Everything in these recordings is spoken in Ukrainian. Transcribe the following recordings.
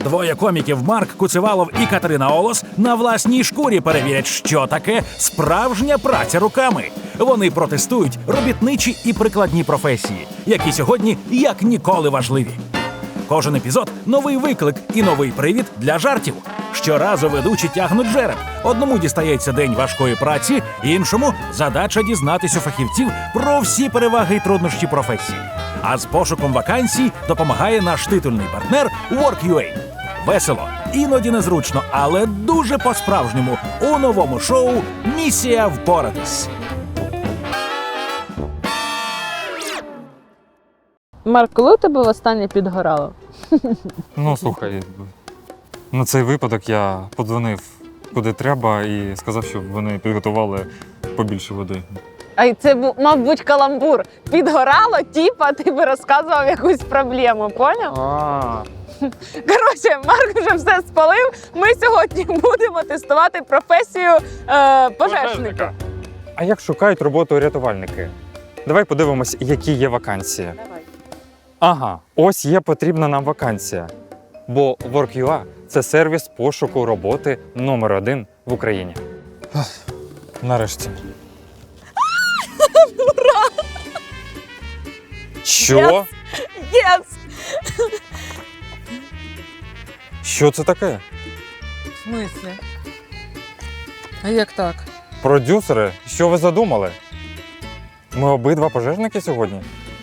Двоє коміків Марк Куцевалов і Катерина Олос на власній шкурі перевірять, що таке справжня праця руками. Вони протестують робітничі і прикладні професії, які сьогодні як ніколи важливі. Кожен епізод – новий виклик і новий привід для жартів. Щоразу ведучі тягнуть жереб. Одному дістається день важкої праці, іншому – задача дізнатись у фахівців про всі переваги і труднощі професії. А з пошуком вакансій допомагає наш титульний партнер Work.ua. Весело, іноді незручно, але дуже по-справжньому у новому шоу «Місія впоратись». Марк, коли у тебе востаннє підгорало? Ну, слухай, на цей випадок я подзвонив куди треба і сказав, щоб вони підготували побільше води. А це мав бути каламбур. Підгорало, типа, ти би розказував якусь проблему, поняв? Коротше, Марк вже все спалив. Ми сьогодні будемо тестувати професію пожежника. А як шукають роботу рятувальники? Давай подивимось, які є вакансії. Давай. Ага, ось є потрібна нам вакансія. Бо Work.ua – це сервіс пошуку роботи номер 1 в Україні. Нарешті. Ура! Що? Єс! Що це таке? В смислі? А як так? Продюсери, що ви задумали? Ми обидва пожежники сьогодні?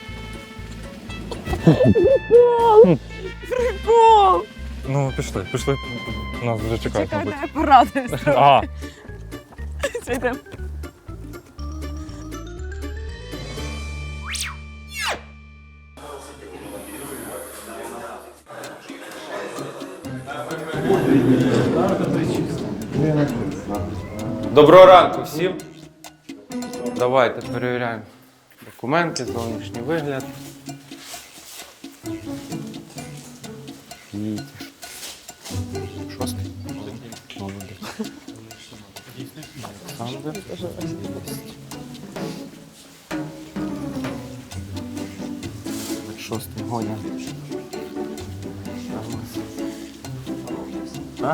Прикол! Ну, пішли. Нас вже чекають, Чекай, мабуть. я порадуюсь. А, Йдемо. Доброго ранку всім. Давайте перевіряємо документи, зовнішній вигляд. Їдь. Шостий. Молодець. Олександр. Шостий гоня. А?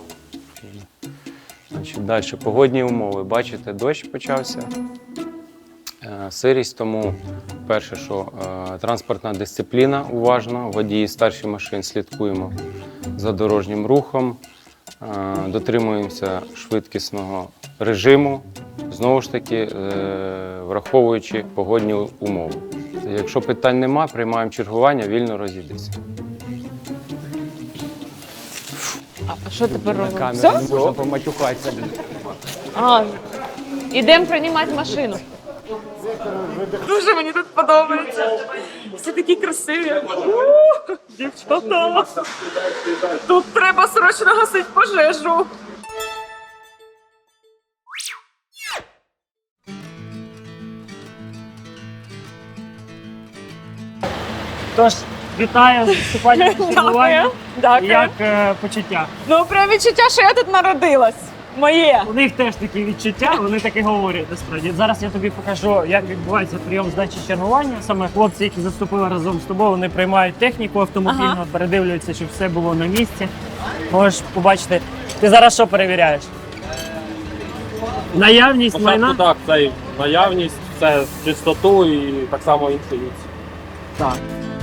Значить, далі погодні умови. Бачите, дощ почався, сирість, тому перше, що транспортна дисципліна уважно, водії старших машин слідкуємо за дорожнім рухом, дотримуємося швидкісного режиму, знову ж таки, враховуючи погодні умови. Якщо питань нема, приймаємо чергування, вільно розійдися. А що тепер робимо? Камера, Все? не можна поматюкатися. А, ідемо приймати машину. Дуже мені тут подобається. Всі такі красиві. Дівчата. Тут треба срочно гасити пожежу. Тож, вітаю з вступальним чергуванням. Дякую. Як почуття? Ну, прям відчуття, що я тут народилась. Моє. У них теж такі відчуття, вони таки говорять насправді. Зараз я тобі покажу, як відбувається прийом здачі чергування. Саме хлопці, які заступили разом з тобою, вони приймають техніку автомобільну, Ага. передивлюються, щоб все було на місці. Можеш побачити. Ти зараз що перевіряєш? Наявність майна? Так, це і наявність, це чистоту і так само інтуїцію. Так.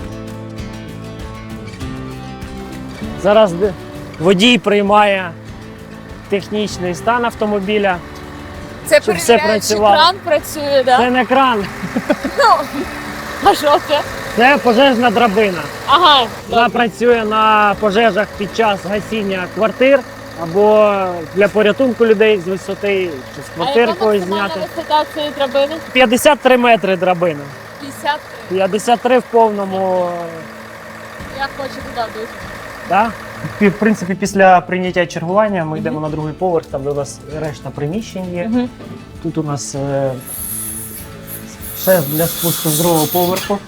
Зараз водій приймає технічний стан автомобіля. Це Щоб все перевіряють, чи працювало. кран працює, так? Це не кран, А що це? це пожежна драбина. Ага. Вона працює на пожежах під час гасіння квартир або для порятунку людей з висоти чи з квартир когось зняти. висота цієї драбини? 53 метри драбина. 50. 53 в повному. Я хочу туди дуже. Да? В принципі, після прийняття чергування ми йдемо на другий поверх, там де у нас решта приміщень є. Тут у нас шест для спуску з другого поверху.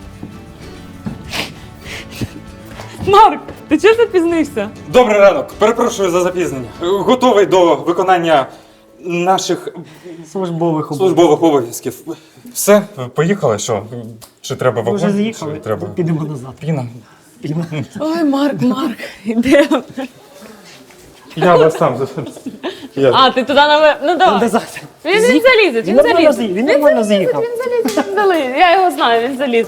Марк, ти чого запізнився? Добрий ранок, перепрошую за запізнення. Готовий до виконання наших Службових обов'язків. службових обов'язків. Все, поїхали, що? Чи треба Ми вагон? вже з'їхали, Чи треба підемо назад. піна? спина. Ой, Марк, іде. Я вас сам А, ти туди наверх. Ну давай. Назад. Він залізе, Він нормально з'їхав. Він нормально з'їхав. Він залізе. Я його знаю, він залізе.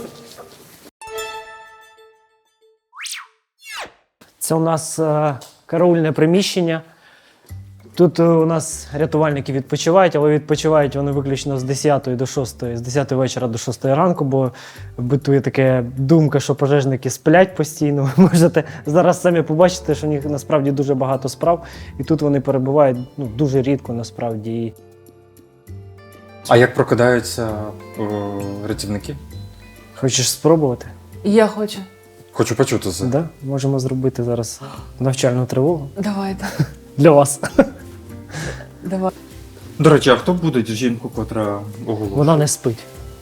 Це у нас караульне приміщення. Тут у нас рятувальники відпочивають, але відпочивають вони виключно з 10 до 6, з 10 вечора до 6 ранку, бо битує така думка, що пожежники сплять постійно. Ви можете зараз самі побачити, що у них насправді дуже багато справ, і тут вони перебувають дуже рідко насправді. А як прокидаються рятівники? Хочеш спробувати? Я хочу. Хочу почути це. Да? Можемо зробити зараз навчальну тривогу Давайте. для вас. Давай. До речі, а хто буде жінку, котра оголошує? Вона не спить.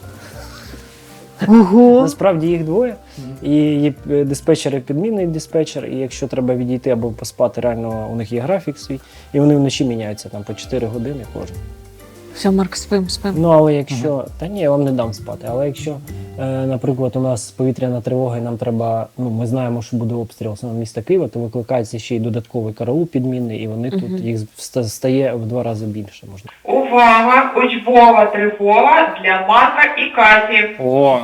Ого. Насправді їх двоє. І є диспетчер і підмінний диспетчер, і якщо треба відійти або поспати, реально у них є графік свій, і вони вночі міняються там по 4 години кожен. Все, Марк, спим. Ну але якщо. Та ні, я вам не дам спати. Але якщо, наприклад, у нас повітряна тривога, і нам треба, ми знаємо, що буде обстріл саме міста Києва, то викликається ще й додатковий караул підмінний, і вони тут їх стає в 2 рази більше. Можна. Увага! Учбова тривога для Марка і Каті. О!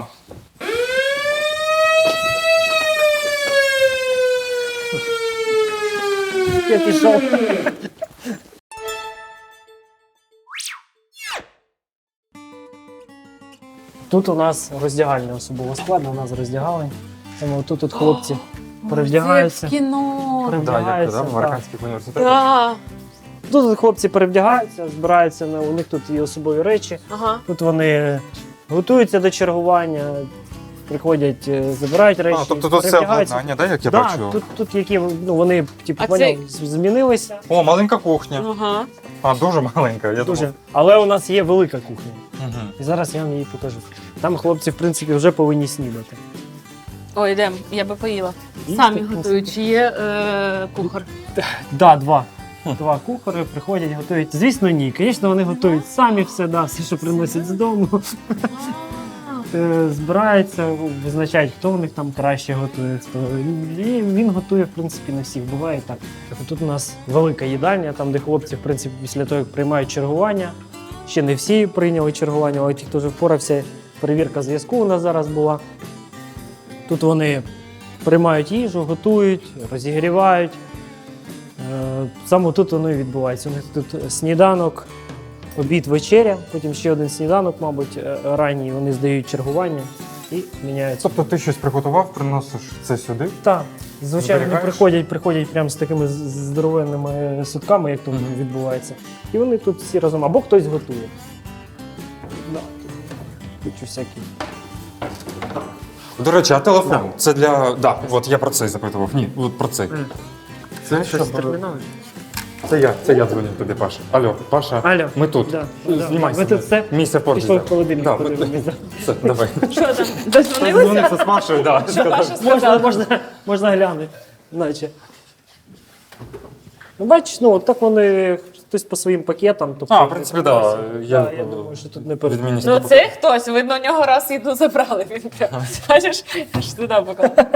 Я пішов. Тут у нас роздягальня особового складу, у нас роздягали. Тому тут хлопці перевдягаються. Це в кіно. Перевдягаються. в так. американських університетах. Да. Тут хлопці перевдягаються, збираються, у них тут є особові речі. Ага. Тут вони готуються до чергування, приходять, забирають речі. Тобто тут все перевдягаються. обладнання, да, як я Так, бачу? тут які вони А поняв, змінилися. О, маленька кухня. Ага. А, дуже маленька, я Дуже. думав. Але у нас є велика кухня. Угу. І зараз я вам її покажу. Там хлопці, в принципі, вже повинні снідати. Ой, йдемо, я би поїла. Їсти Самі просто. готують, чи є кухар? Да, два. Два кухари приходять, готують. Звісно, ні. Звісно, вони готують самі все, все, що приносять з дому. Збираються, визначають, хто в них там краще готує. І він готує, в принципі, на всіх. Буває так. Тут у нас велика їдальня, там, де хлопці, в принципі, після того, як приймають чергування. Ще не всі прийняли чергування, але ті, хто вже впорався, перевірка зв'язку у нас зараз була. Тут вони приймають їжу, готують, розігрівають. Саме тут воно і відбувається. У них тут сніданок, обід, вечеря, потім ще один сніданок, мабуть, ранній. Вони здають чергування і міняються. Тобто ти щось приготував, приносиш це сюди? Так, звичайно, вони Зберігаєш? приходять прямо з такими здоровенними сутками, як тут відбувається. І вони тут всі разом, або хтось готує. Да, тут всякі. До речі, а телефон? Це для. Да, от я про це запитував. Ні, от про це. Це щось термінове? Це я дзвоню тобі, Паша. Алло, Паша, Алло. ми тут. Да, Знімайся. Ми тут все. Місце поруч. Пішов в холодильник, Да, подивимося. Все, давай. Що там? Дозвонилися? Дзвонився з Машою, да. Можна глянути, наче. Ну, бачиш, от так вони хтось по своїм пакетам. Тобто, В принципі, так. Я думаю, що тут не перед. Ну це хтось, видно, у нього раз їду забрали. Він прямо, бачиш, аж туди поклав.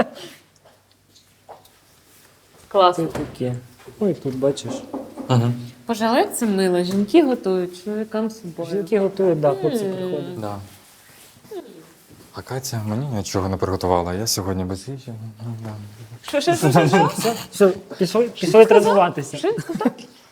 Класно. Таке. Ну і тут бачиш. Пожалуй, це мило. Жінки готують, чоловікам з собою. Жінки готують, да, хлопці приходять. Да. А Катя мені нічого не приготувала, я сьогодні без їжі. Що? Все, пішли тренуватися. Що він сказав?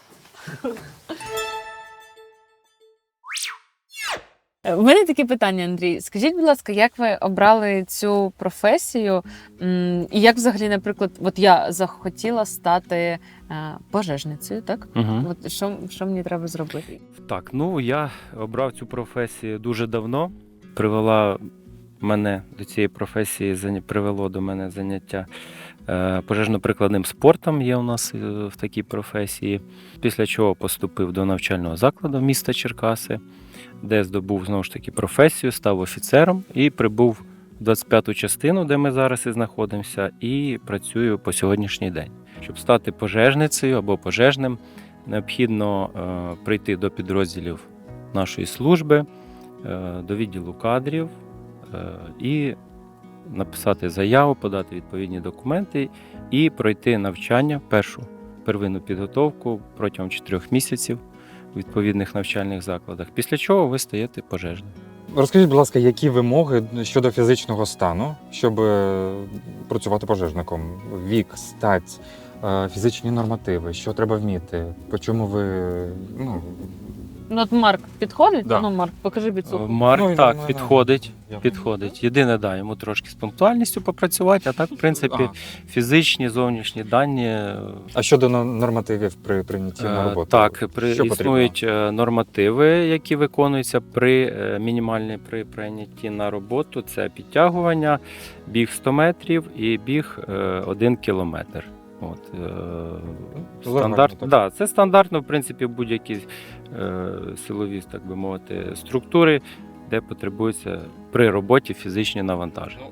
У мене таке питання, Андрій. Скажіть, будь ласка, як ви обрали цю професію? І як взагалі, наприклад, от я захотіла стати пожежницею, так? Угу. От що мені треба зробити? Так, я обрав цю професію дуже давно. Привело до цієї професії привело до мене заняття пожежно-прикладним спортом є у нас в такій професії. Після чого поступив до навчального закладу міста Черкаси, де здобув знову ж таки професію, став офіцером і прибув в 25-ту частину, де ми зараз і знаходимося, і працюю по сьогоднішній день. Щоб стати пожежницею або пожежним, необхідно прийти до підрозділів нашої служби, до відділу кадрів і написати заяву, подати відповідні документи і пройти навчання, первинну підготовку протягом 4 місяців у відповідних навчальних закладах, після чого ви стаєте пожежним. Розкажіть, будь ласка, які вимоги щодо фізичного стану, щоб працювати пожежником? Вік, стать, фізичні нормативи, що треба вміти? По чому ви. Ну, от Марк підходить? Да. Ну, Марк, покажи біцуху. Марк Ну, так, ну, підходить. Я Підходить. Єдине, да, йому трошки з пунктуальністю попрацювати, а так, в принципі, фізичні, зовнішні дані. А щодо нормативів при прийнятті на роботу? Так, Що потрібно? існують нормативи, які виконуються мінімальні при прийнятті на роботу. Це підтягування, біг 100 метрів і біг 1 кілометр. Стандарт, так. да, це стандартно, в принципі, будь-які силові, так би мовити, структури, де потребуються при роботі фізичні навантаження.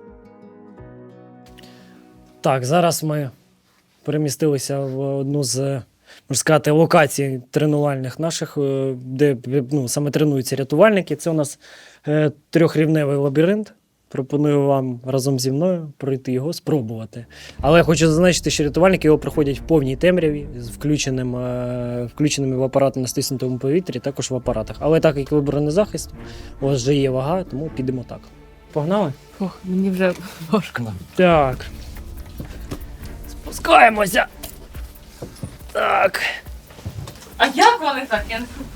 Так, зараз ми перемістилися в одну з, можна сказати, локацій тренувальних наших, де саме тренуються рятувальники. Це у нас 3-рівневий лабіринт. Пропоную вам разом зі мною пройти його, спробувати. Але я хочу зазначити, що рятувальники його проходять в повній темряві, з включеними в апарати на стиснутому повітрі, також в апаратах. Але так як ви бронезахист, у вас вже є вага, тому підемо так. Погнали? Ох, мені вже важко. Так. Спускаємося. Так. А як вони так?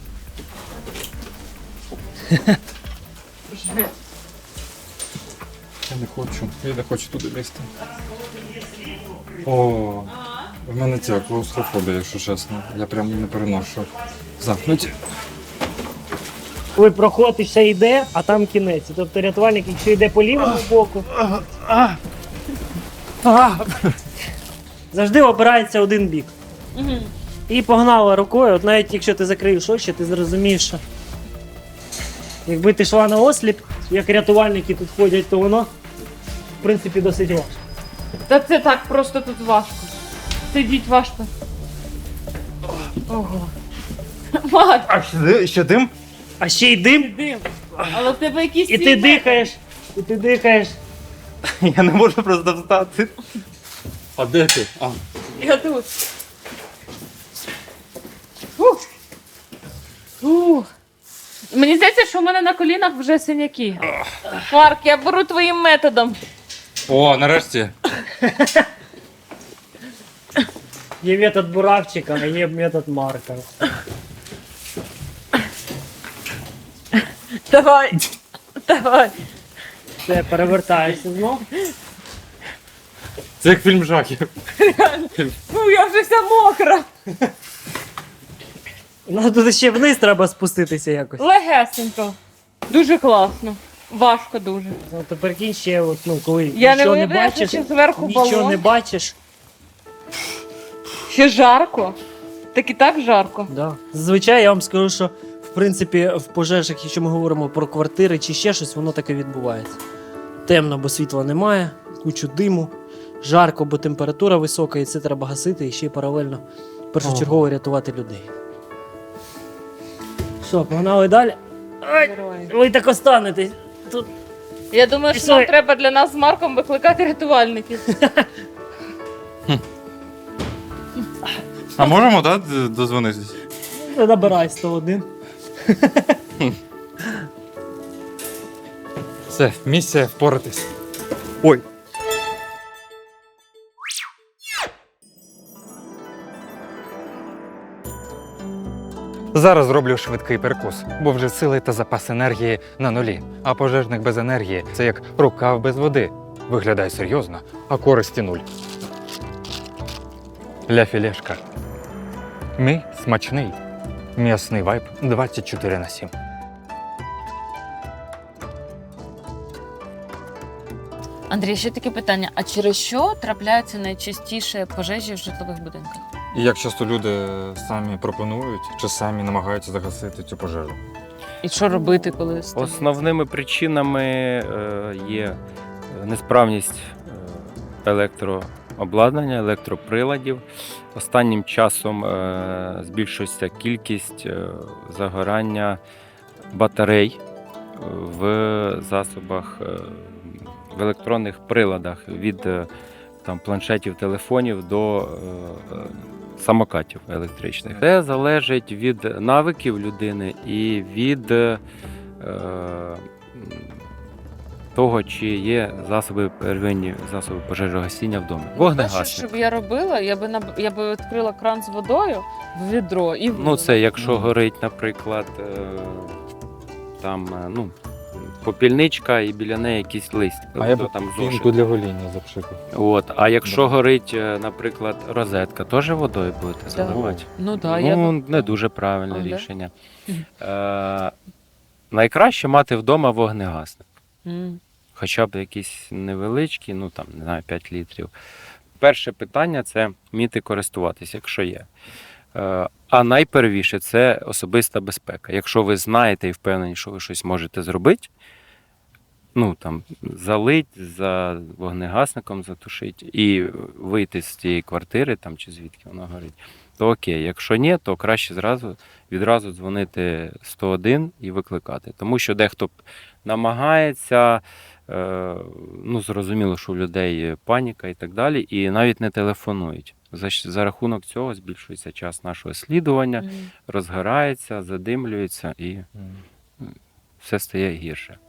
Я не хочу туди лізти. О, в мене ця клаустрофобія, якщо чесно. Я прям не переношу. Замкнуті. Ви проходите, ще йде, а там кінець. Тобто рятувальник, якщо йде по лівому боку, завжди обирається один бік. І погнала рукою, от навіть якщо ти закриєш очі, ти зрозумієш, що якби ти йшла на осліп, як рятувальники тут ходять, то воно, в принципі, досить важко. Та це так просто тут важко. Сидіть важко. Ого. Марк, А ще дим? А ще й дим, дим. Але в тебе якісь і ти дихаєш, і ти дихаєш. Я не можу просто встати. А де ти? Я тут. Фух. Фух. Мені здається, що в мене на колінах вже синяки. Марк, я беру твоїм методом. О, нарешті. Є метод Буравчика, а є метод Марка. Давай. Давай. Все, перевертаєшся знов. Це як фільм жахів. Ну, я вже вся мокра. Ну тут ще вниз треба спуститися якось. Легесенько. Дуже класно. Важко дуже. Ну, то прикинь ще, от, коли Я не нічого не уявляю, бачиш, що зверху нічого балон. не бачиш. Ще жарко. Так і так жарко. Да. Зазвичай я вам скажу, що в принципі в пожежах, якщо ми говоримо про квартири чи ще щось, воно таке відбувається. Темно, бо світла немає, кучу диму, жарко, бо температура висока, і це треба гасити і ще й паралельно першочергово рятувати людей. Що, погнали далі? Ай, ви так останетесь. Тут Я думаю, що нам треба для нас з Марком викликати рятувальників. А можемо, так, дозвонитись? набирай 101. Все, місія впоратись. Ой. Зараз зроблю швидкий перекус, бо вже сили та запас енергії на нулі. А пожежник без енергії – це як рукав без води. Виглядає серйозно, а користі нуль. Ля філешка. Мій смачний. М'ясний вайб 24/7. Андрій, ще таке питання: а через що трапляються найчастіше пожежі в житлових будинках? І як часто люди самі пропонують чи самі намагаються загасити цю пожежу? І що робити, коли Основними причинами є несправність електрообладнання, електроприладів. Останнім часом збільшується кількість загорання батарей в засобах в електронних приладах від там, планшетів, телефонів до самокатів електричних. Це залежить від навиків людини і від того, чи є засоби первинні, засоби пожежогасіння вдома. Перше, Вогнегасник. що б я робила, я би відкрила кран з водою в відро і Ну, це якщо горить, наприклад, там, попільничка і біля неї якийсь лист. А я б там пінку для гоління запшикав. От. А якщо горить, наприклад, розетка, теж водою будете заливати? Ну так, я Ну, б... не дуже правильне А, да? рішення. Найкраще мати вдома вогнегасник. М. Хоча б якісь невеличкі, ну там, не знаю, 5 літрів. Перше питання це вміти користуватися, якщо є. А найпервіше це особиста безпека. Якщо ви знаєте і впевнені, що ви щось можете зробити, ну там залить за вогнегасником, затушить і вийти з цієї квартири, там чи звідки воно горить, то окей. Якщо ні, то краще відразу дзвонити 101 і викликати. Тому що дехто намагається, зрозуміло, що у людей паніка і так далі, і навіть не телефонують. За рахунок цього збільшується час нашого слідування, М. розгорається, задимлюється і все стає гірше.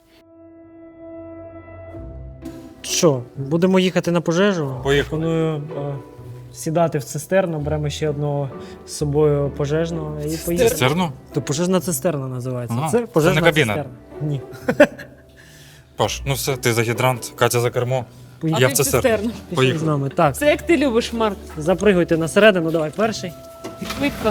Що, будемо їхати на пожежу? Поїхали. Пропоную сідати в цистерну, беремо ще одного з собою пожежного і поїдемо. Цистерну? То пожежна цистерна називається. Ага. Це пожежна Це не кабіна? цистерна. Ні. Паш, ну все, ти за гідрант, Катя за кермо. Поїхали. Я в цистерну. Пішли Поїхали. з нами. Так, Це як ти любиш, Марк. запригуйте на середину, давай перший. Швидко.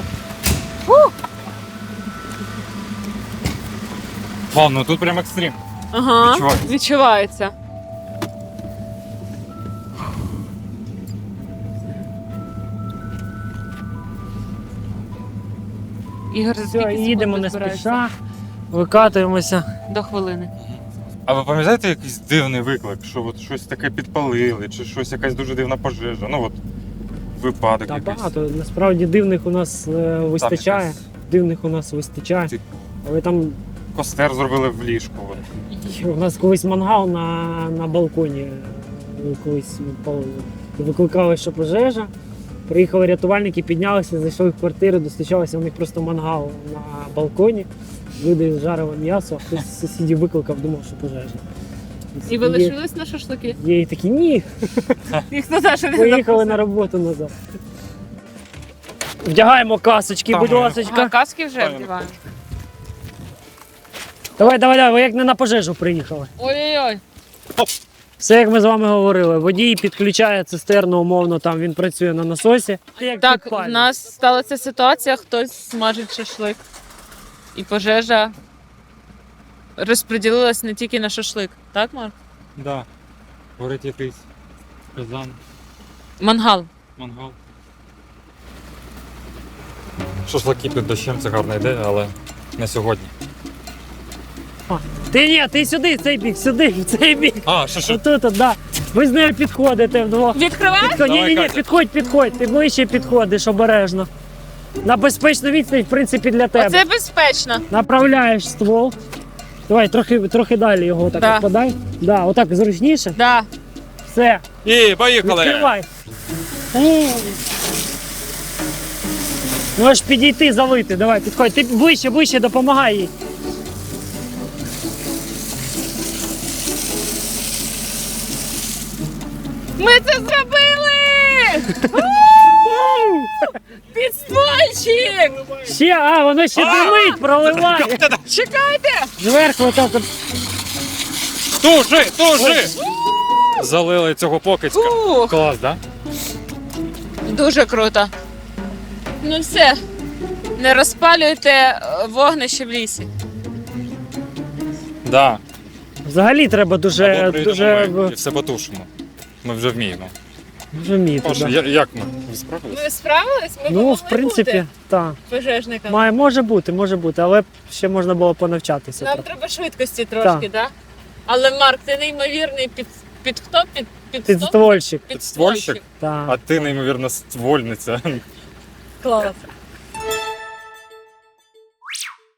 Вау, ну тут прям екстрім. Ага, Відчувається. відчувається. Ігор, за Все, скільки їдемо секунд не збираєшся? спіша, викатуємося. До хвилини. А ви пам'ятаєте якийсь дивний виклик, що от щось таке підпалили, чи щось якась дуже дивна пожежа? Ну от випадок Та якийсь. багато. Насправді дивних у нас вистачає. якась- Дивних у нас вистачає. Ти- Але там Костер зробили в ліжку. От. у нас колись мангал на балконі колись палили. Викликали, що пожежа. Приїхали рятувальники, піднялися, зайшли в квартиру, достучалися, у них просто мангал на балконі. Люди жарили м'ясо, а хтось з сусідів викликав, думав, що пожежа. І ви лишились на шашлики? Є і такі, ні, Ніхто за що не поїхали запросив. на роботу назад. Вдягаємо касочки, Там будь ми- ласочка. Ага, каски вже вдіваємо. Давай, ви як не на пожежу приїхали. Ой-ой-ой. Все, як ми з вами говорили, водій підключає цистерну, умовно, там він працює на насосі. Як Так, в підпалює. нас сталася ситуація, хтось смажить шашлик. І пожежа розподілилась не тільки на шашлик. Так, Марк? Да. Горить якийсь казан, Мангал. мангал. Шашлики під дощем це гарна ідея, але не сьогодні. Ти сюди, в цей бік, сюди, в цей бік. А, що? Отут, да. Ви з нею підходите вдвох. Відкривай! Ні, Катя. підходь, ти ближче підходиш обережно. На безпечну відстань, в принципі, для тебе. Оце безпечно. Направляєш ствол. Давай, трохи далі його так Да. подай. Да, отак зручніше. Да. Все, І поїхали! відкривай. Можеш підійти, залити. Давай, підходь. Ти ближче, допомагай їй. Ми це зробили! Підствольчик! Ще, воно ще димить, проливає. Чекайте! Зверху отак от. Тужи! Залили цього покидька. Фух, Клас, да? дуже круто. Ну все, не розпалюйте вогнище в лісі. Да. Взагалі треба Або дуже прийдемо ми і все потушимо. Ми вже вміємо. вміти. Паша, Да. як ми? Ви справились? Ви справились? Ми Ну, могли в принципі, бути так. пожежниками. Може бути, але ще можна було понавчатися. Нам трохи. треба швидкості трошки, так? Але Марк, ти неймовірний під хто? Підствольщик. Підствольщик? Так. А ти, неймовірно, ствольниця. Клас.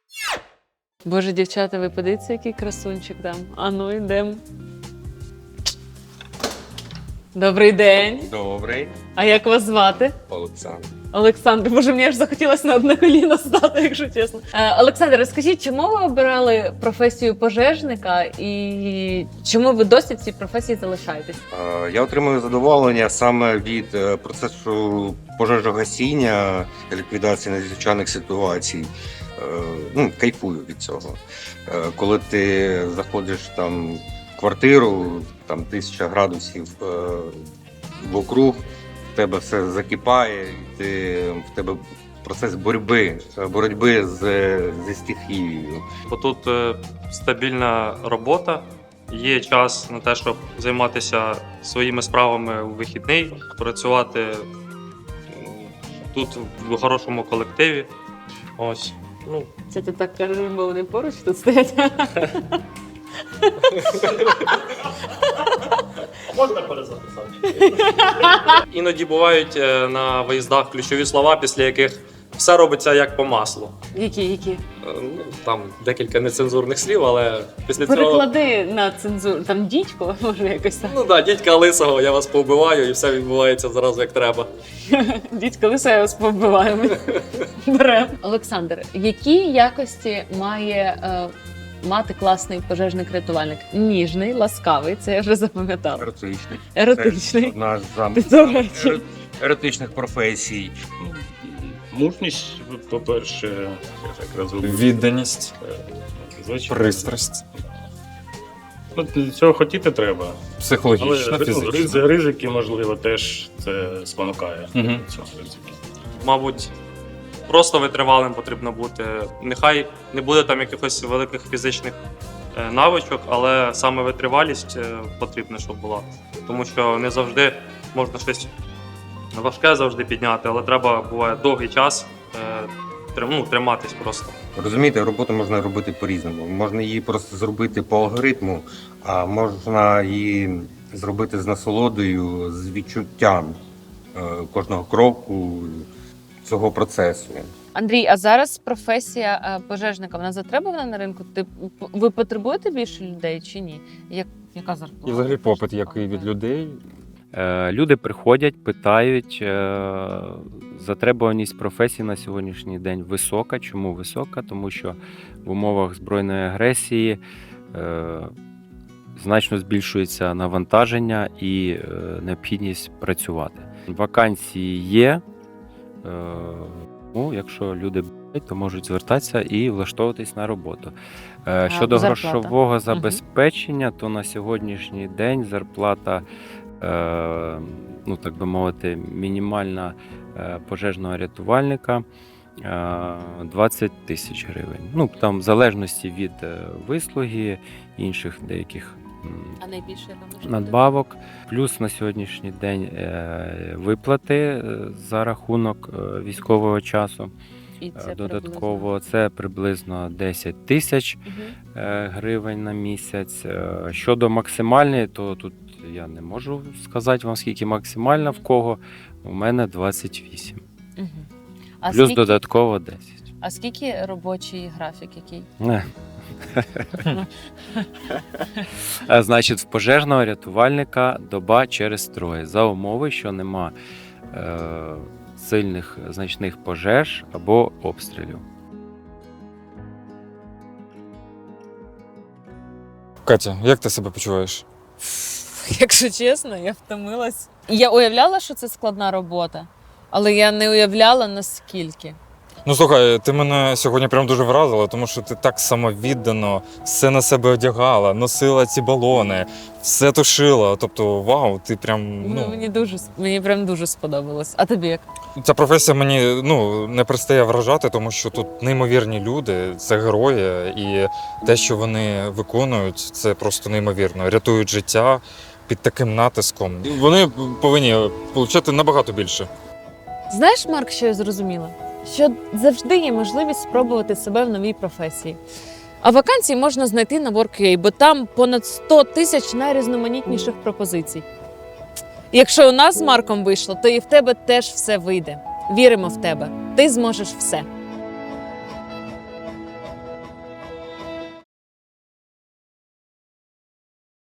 Боже, дівчата, ви подивіться, який красунчик там. А ну йдемо. Добрий день. Добрий, А як вас звати? Олександр. Олександр, боже, мені аж захотілося на одне коліно стати, якщо чесно. Олександр, розкажіть, чому ви обирали професію пожежника і чому ви досі в цій професії залишаєтесь? Я отримую задоволення саме від процесу пожежогасіння, ліквідації надзвичайних ситуацій. Кайфую від цього. Коли ти заходиш там в квартиру, там 1000 градусів вокруг, в тебе все закипає, в тебе процес боротьби зі стихією. Бо тут стабільна робота, є час на те, щоб займатися своїми справами у вихідний, працювати тут в хорошому колективі. Ось. Це ти так кажеш, бо вони поруч тут стоять. Можна перезаписати? Іноді бувають на виїздах ключові слова, після яких все робиться як по маслу. Які? Там декілька нецензурних слів, але після цього... Переклади на цензуру. Там дідько, може якось так. Дідька лисого, я вас повбиваю, і все відбувається зразу як треба. Дідько лише я вас повбиваємо. Берем. Олександр, які якості має мати класний пожежник-рятувальник? Ніжний, ласкавий, це я вже запам'ятала. Еротичний. Еротичний. Це одна Ти з до речі. еротичних професій. Мужність, по-перше, Відданість, звичайно. пристрасть, Для цього хотіти треба. психологічна, Але фізична. ризики, можливо, теж це спонукає Мгм. до цього ризики. Мабуть, просто витривалим потрібно бути. Нехай не буде там якихось великих фізичних навичок, але саме витривалість потрібна, щоб була. Тому що не завжди можна щось важке завжди підняти, але треба буває довгий час триматись просто. Розумієте, роботу можна робити по-різному. Можна її просто зробити по алгоритму, а можна її зробити з насолодою, з відчуттям кожного кроку цього процесу. Андрій, а зараз професія пожежника, вона затребувана на ринку? Ви потребуєте більше людей чи ні? Яка зарплата? І взагалі попит який від людей. Люди приходять, питають. Затребуваність професії на сьогоднішній день висока. Чому висока? Тому що в умовах збройної агресії значно збільшується навантаження і необхідність працювати. Вакансії є. Якщо люди бажають, то можуть звертатися і влаштовуватись на роботу. Щодо зарплата? грошового забезпечення, то на сьогоднішній день зарплата, так би мовити, мінімальна пожежного рятувальника 20 тисяч гривень. Там в залежності від вислуги, інших деяких А найбільше надбавок. Плюс на сьогоднішній день виплати за рахунок військового часу. І це Додатково це приблизно 10 тисяч гривень на місяць. Щодо максимальної, то тут я не можу сказати вам, скільки максимальна в кого. У мене 28. А Плюс додатково 10. А скільки робочий графік який? Значить, в пожежного рятувальника доба через троє. За умови, що нема сильних значних пожеж або обстрілів. Катя, як ти себе почуваєш? Якщо чесно, я втомилась. Я уявляла, що це складна робота, але я не уявляла, наскільки. Ну слухай, ти мене сьогодні прям дуже вразила, тому що ти так самовіддано все на себе одягала, носила ці балони, все тушила. Тобто, вау, ти прям. Мені прям дуже сподобалось. А тобі як? Ця професія мені не перестає вражати, тому що тут неймовірні люди, це герої, і те, що вони виконують, це просто неймовірно. Рятують життя під таким натиском. Вони повинні отримати набагато більше. Знаєш, Марк, що я зрозуміла? Що завжди є можливість спробувати себе в новій професії. А вакансії можна знайти на Work.ua, бо там понад 100 тисяч найрізноманітніших пропозицій. Якщо у нас з Марком вийшло, то і в тебе теж все вийде. Віримо в тебе. Ти зможеш все.